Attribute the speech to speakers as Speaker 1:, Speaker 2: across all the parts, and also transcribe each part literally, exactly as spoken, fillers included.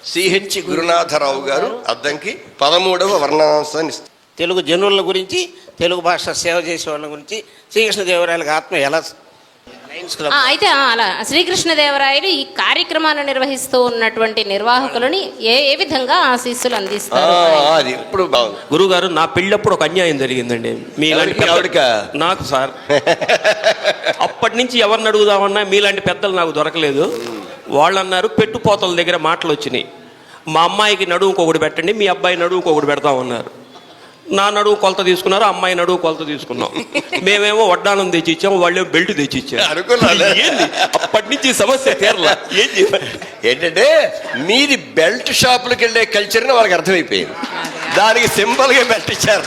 Speaker 1: CH Gurunatha Rao గారు అద్దంకి పదమూడవ వర్ణాంశాన్ని ఇస్తారు.
Speaker 2: తెలుగు జనుల గురించి, తెలుగు భాష సేవ చేసే వాళ్ళ గురించి శ్రీకృష్ణదేవరాయల ఆత్మ ఎలా
Speaker 3: ఆ, అయితే ఆ, అలా శ్రీకృష్ణదేవరాయలు ఈ కార్యక్రమాన్ని నిర్వహిస్తూ ఉన్నటువంటి నిర్వాహకులని ఏ ఏ విధంగా ఆశీస్సులు అందిస్తారు?
Speaker 1: అది ఇప్పుడు
Speaker 4: గురువు గారు, నా పెళ్ళప్పుడు ఒక అన్యాయం జరిగిందండి. మీలాంటి
Speaker 1: ఎవరికి?
Speaker 4: నాకు సార్. అప్పటి నుంచి ఎవరిని అడుగుదామన్నా మీలాంటి పెద్దలు నాకు దొరకలేదు. వాళ్ళు అన్నారు పెట్టుపోతల దగ్గర మాటలు వచ్చినాయి, మా అమ్మాయికి నడువుకు ఒకటి పెట్టండి, మీ అబ్బాయి నడువుకు ఒకటి పెడతామన్నారు. నా నడువు కొలత తీసుకున్నారు, అమ్మాయి నడువు కొలత తీసుకున్నాం. మేమేమో వడ్డానం తెచ్చి ఇచ్చాము, వాళ్ళేమో బెల్ట్ తెచ్చి ఇచ్చారు. ఏంది అప్పటి నుంచి సమస్య తీరలా. ఏం
Speaker 1: ఏంటంటే మీది బెల్ట్ షాపులకు వెళ్ళే కల్చర్ని వాళ్ళకి అర్థమైపోయింది, దానికి సింపుల్గా బెల్ట్ ఇచ్చారు.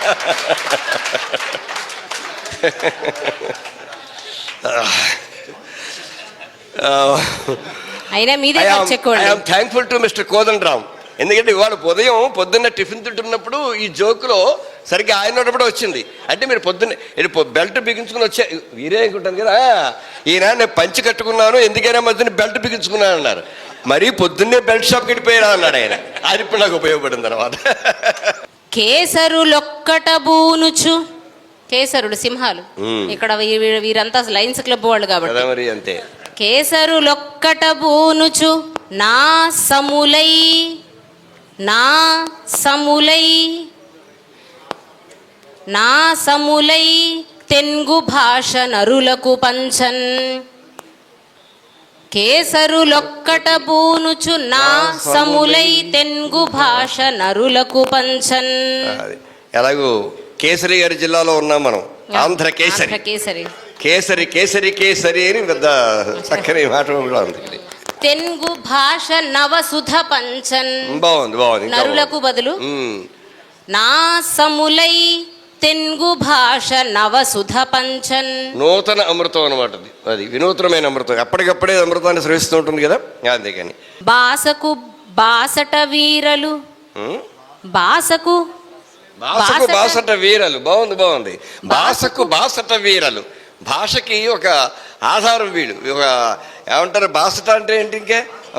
Speaker 3: అయినా మీదే
Speaker 1: థ్యాంక్ఫుల్ టు మిస్టర్ కోదండరామ్. ఎందుకంటే ఇవాళ ఉదయం పొద్దున్న టిఫిన్ తింటున్నప్పుడు ఈ జోకులో సరిగ్గా ఆయన ఉన్నప్పుడు వచ్చింది. అంటే మీరు పొద్దున్న బెల్ట్ బిగించుకుని వచ్చే వీరే అనుకుంటాను కదా, ఈయన నేను పంచి కట్టుకున్నాను ఎందుకైనా మధ్యన బెల్ట్ బిగించుకున్నాను అన్నారు. మరీ పొద్దున్నే బెల్ట్ షాప్కి వెళ్ళిపోయారా అన్నాడు ఆయన. అది ఇప్పుడు నాకు ఉపయోగపడింది అనమాట.
Speaker 3: కేసరులొక్కట బూనుచు, కేసరులు సింహాలు, ఇక్కడ వీరంతా లయన్స్ క్లబ్ వాళ్ళు కాబట్టి
Speaker 1: మరి అంతే.
Speaker 3: కేసరులొక్కట బూనుచు నా సములై నా సములై నా సములై తెంగు భాష నరులకు పంచన్. కేసరులొక్కట బూనుచు నా సములై తెంగు భాష నరులకు పంచన్.
Speaker 1: ఎలాగూ కేసరి గారి జిల్లాలో ఉన్నాం మనం, ఆంధ్ర కేసరి.
Speaker 3: కేసరి
Speaker 1: కేసరి కేసరి కేసరి అని పెద్ద చక్కని మాట ఉంది.
Speaker 3: తెంగు భాష నవసుధ పంచన్.
Speaker 1: బాగుంది బాగుంది.
Speaker 3: నరులకు బదులు నా సములై తెంగు భాష నవసుధ పంచన్.
Speaker 1: నూతన అమృతం అనమాట అది. అది వినూత్నమైన అమృతం, అప్పటికప్పుడే అమృతాన్ని స్రవిస్తూ ఉంటుంది కదా, అందుకని.
Speaker 3: బాసకు బాసట వీరలు, బాసకు
Speaker 1: బాసకు బాసట వీరలు. బాగుంది బాగుంది. బాసకు బాసట వీరలు. భాషకి ఒక ఆధారం వీడు. ఒక ఏమంటారు బాసట అంటే ఏంటి, ఇంకే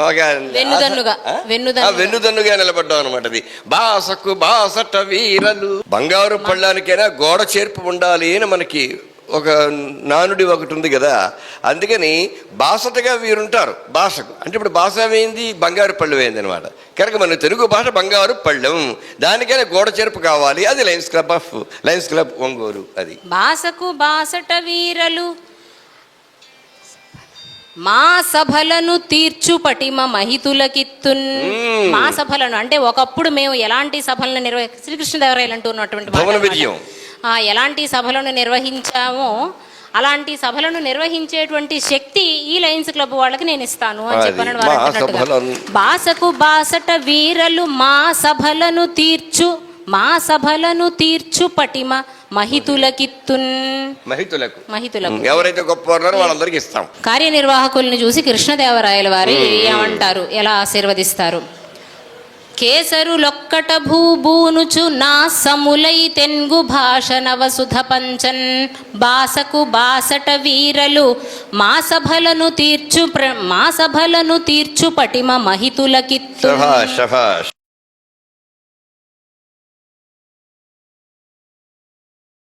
Speaker 1: వెన్నుదన్నుగా నిలబడ్డాం అనమాట. అది బాసకు బాసట వీరలు. బంగారు పళ్ళానికైనా గోడ చేర్పు ఉండాలి అని మనకి ఒక నానుడి ఒకటి ఉంది కదా, అందుకని బాసటగా వీరుంటారు భాషకు. అంటే ఇప్పుడు భాష ఏమైంది, బంగారు పళ్ళు అయింది అనమాట. కనుక మన తెలుగు భాష బంగారు పళ్ళెం, దానికైనా గోడ చేర్పు కావాలి. అది lions club of lions club Ongole. అది
Speaker 3: బాసకు బాసట వీరలు మా సభలను తీర్చు పటిమ మహితులకిత్తున్. మా సభలను అంటే ఒకప్పుడు మేము ఎలాంటి సభలను నిర్వహి శ్రీకృష్ణదేవరాయలు అంటున్నటువంటి
Speaker 1: విజయం
Speaker 3: ఎలాంటి సభలను నిర్వహించామో అలాంటి సభలను నిర్వహించేటువంటి శక్తి ఈ లయన్స్ క్లబ్ వాళ్ళకి నేను ఇస్తాను అని చెప్పాను వారు అంటున్నట్టుగా. బాసకు బాసట వీరలు మా సభలను తీర్చు మా సభలను తీర్చు పటిమ మహితులకిత్తున్.
Speaker 1: మహితులకు
Speaker 3: మహితులకు
Speaker 1: ఎవరైతే గొప్ప వాళ్ళందరికీ ఇస్తాం.
Speaker 3: కార్యనిర్వాహకుల్ని చూసి కృష్ణదేవరాయల వారి ఏమంటారు, ఎలా ఆశీర్వదిస్తారు? కేసరులొక్కట భూబూనుచు నా సములై తెంగు భాష నవసుధ పంచన్. బాసకు బాసట వీరలు మా సభలను తీర్చు మా సభలను తీర్చు పటిమ మహితులకిత్తు.